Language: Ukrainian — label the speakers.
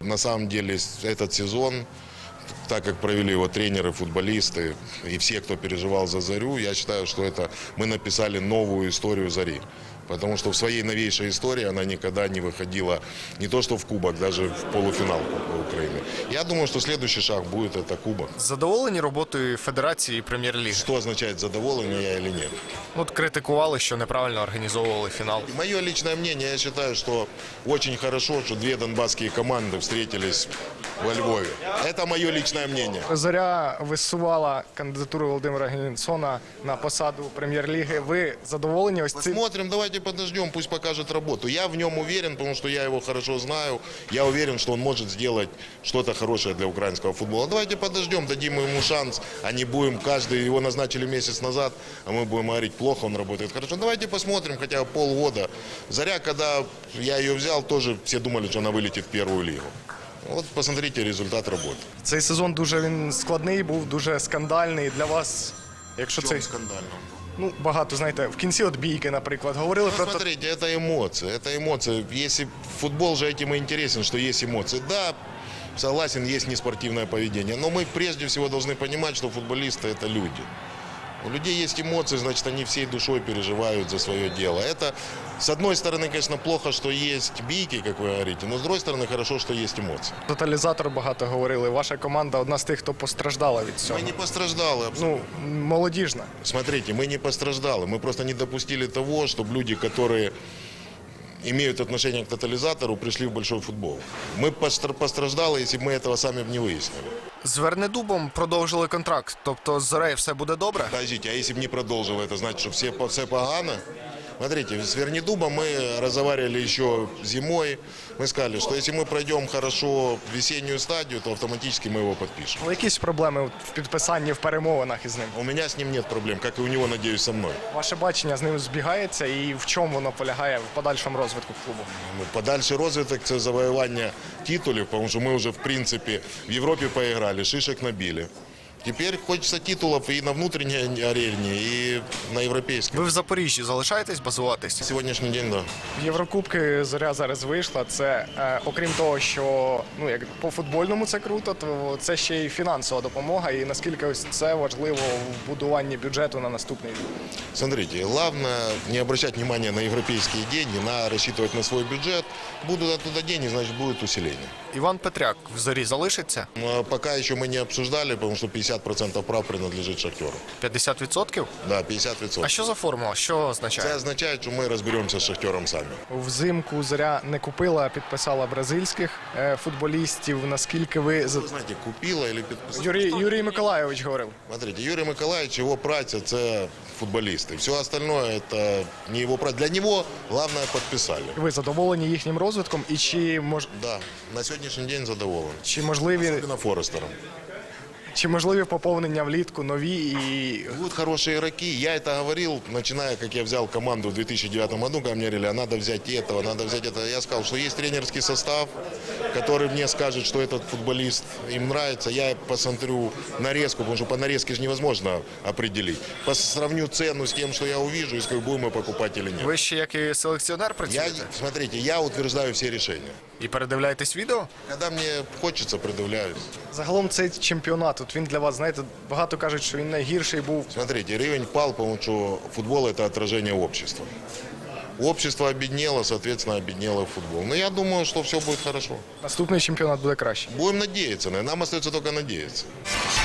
Speaker 1: На самом деле этот сезон, так как провели его тренеры, футболисты и все, кто переживал за «Зарю», я считаю, что это мы написали новую историю «Зари». Потому что в своей новейшей истории она никогда не выходила не то что в кубок, даже в полуфинал Кубка Украины. Я думаю, что следующий шаг будет это кубок.
Speaker 2: Задоволені роботою Федерації і Прем'єр-ліги?
Speaker 1: Что означает, задоволен я или нет?
Speaker 2: От критикували, що неправильно організовували фінал.
Speaker 1: Мое личное мнение, я считаю, что очень хорошо, что две донбасские команды встретились во Львове. Это мое личное мнение.
Speaker 3: Зоря висувала кандидатуру Володимира Генсона на посаду Прем'єр-ліги. Ви задоволені ось цим?
Speaker 1: Посмотрим, давайте подождем, пусть покажет работу. Я в нем уверен, потому что я его хорошо знаю. Я уверен, что он может сделать что-то хорошее для украинского футбола. Давайте подождем, дадим ему шанс, а не будем каждый, его назначили месяц назад, а мы будем говорить, плохо он работает хорошо. Давайте посмотрим хотя бы полгода. Заря, когда я ее взял, тоже все думали, что она вылетит в первую лигу. Вот посмотрите результат работы.
Speaker 3: Цей сезон дуже він складний, був дуже скандальний для вас. Якщо це
Speaker 1: скандально?
Speaker 3: ну багато знаєте, в кінці от бійки, наприклад, говорили
Speaker 1: Ну,
Speaker 3: про те.
Speaker 1: смотрите, это эмоции, это эмоции. Если футбол же этим и интересен, что есть эмоции. Да, согласен, есть неспортивное поведение, но мы прежде всего должны понимать, что футболисты – это люди. У людей есть эмоции, значит, они всей душой переживают за свое дело. Это, с одной стороны, конечно, плохо, что есть бийки, как вы говорите, но с другой стороны, хорошо, что есть эмоции.
Speaker 3: Тоталізатор багато говорили. Ваша команда одна з тих, хто постраждала від цього.
Speaker 1: Мы не постраждали абсолютно.
Speaker 3: Ну, молодіжна.
Speaker 1: Смотрите, мы не постраждали, мы просто не допустили того, чтобы люди, которые имеют отношение к тотализатору, пришли в большой футбол. Мы постраждали, если бы мы этого сами не выяснили.
Speaker 2: З Вернедубом продовжили контракт, тобто з Зорею все буде добре?
Speaker 1: Подождите, а если бы не продолжил, это значит, что все погано? Смотрите, с Вернедубом мы разговаривали еще зимой. Мы сказали, что если мы пройдем хорошо весеннюю стадию, то автоматически мы его подпишем.
Speaker 3: Але якісь проблеми в підписанні, в перемовинах із ним?
Speaker 1: У меня с ним нет проблем, как и у него, надеюсь, со мной.
Speaker 3: Ваше бачення з ним збігається і в чому воно полягає в подальшому розвитку клубу?
Speaker 1: Ну, подальший розвиток – це завоювання титулів, тому що ми вже, в принципі, в Європі поіграли, шишек набили. Тепер хочеться титулів і на внутрішній арені, і на європейській.
Speaker 2: Ви в Запоріжжі залишаєтесь базуватись?
Speaker 1: Сьогоднішній день, да.
Speaker 3: В Єврокубки Зоря зараз вийшла. Це окрім того, що ну як по футбольному це круто, то це ще й фінансова допомога. І наскільки ось це важливо в будуванні бюджету на наступний рік.
Speaker 1: Смотрите, главное не обращать внимания на европейские деньги, на рассчитывать на свой бюджет. Будут оттуда деньги, значит будет усиление.
Speaker 2: Іван Петряк в Зорі залишиться?
Speaker 1: Пока еще мы не обсуждали, потому что 50% прав принадлежит Шахтеру.
Speaker 2: 50%?
Speaker 1: Да, 50%.
Speaker 2: А що за формула? Що
Speaker 1: Це
Speaker 2: означає?
Speaker 1: означає, що ми розберемося з Шахтером самі.
Speaker 3: Взимку Зоря не купила, а підписала бразильських футболістів. Наскільки ви
Speaker 1: Ви знаєте, купила чи підписала?
Speaker 3: Юрій Миколайович говорив.
Speaker 1: Смотрите, Юрий Миколаевич, его праця – це футболисты. Все остальное – это не его праця. Для него главное подписали.
Speaker 3: Ви задоволені їхнім розвитком і
Speaker 1: Да, на сьогоднішній день задоволений.
Speaker 3: можливі
Speaker 1: Форестером.
Speaker 3: поповнення влітку нові і
Speaker 1: Будут хорошие игроки. Я это говорил, начиная, как я взял команду в 2009 году, когда мне говорили, а надо взять этого, надо взять это. Я сказал, что есть тренерский состав, который мне скажет, что этот футболист им нравится. Я посмотрю нарезку, потому что по нарезке же невозможно определить. Сравню цену с тем, что я увижу, и скажу, будем мы покупать или нет.
Speaker 2: Ви ще як і селекціонер працюєте?
Speaker 1: Смотрите, я утверждаю все решения.
Speaker 2: І передивляєтесь відео?
Speaker 1: Когда мне хочется, придивляюсь.
Speaker 3: загалом цей чемпіонат. От він для вас, знаєте, багато кажуть, що він найгірший був.
Speaker 1: Смотрите, рівень пал, потому что футбол – это отражение общества. Общество обеднело, соответственно, обеднело футбол. Но я думаю, что все будет хорошо.
Speaker 3: Наступний чемпіонат буде краще.
Speaker 1: Будем надеяться, нам остается только надеяться.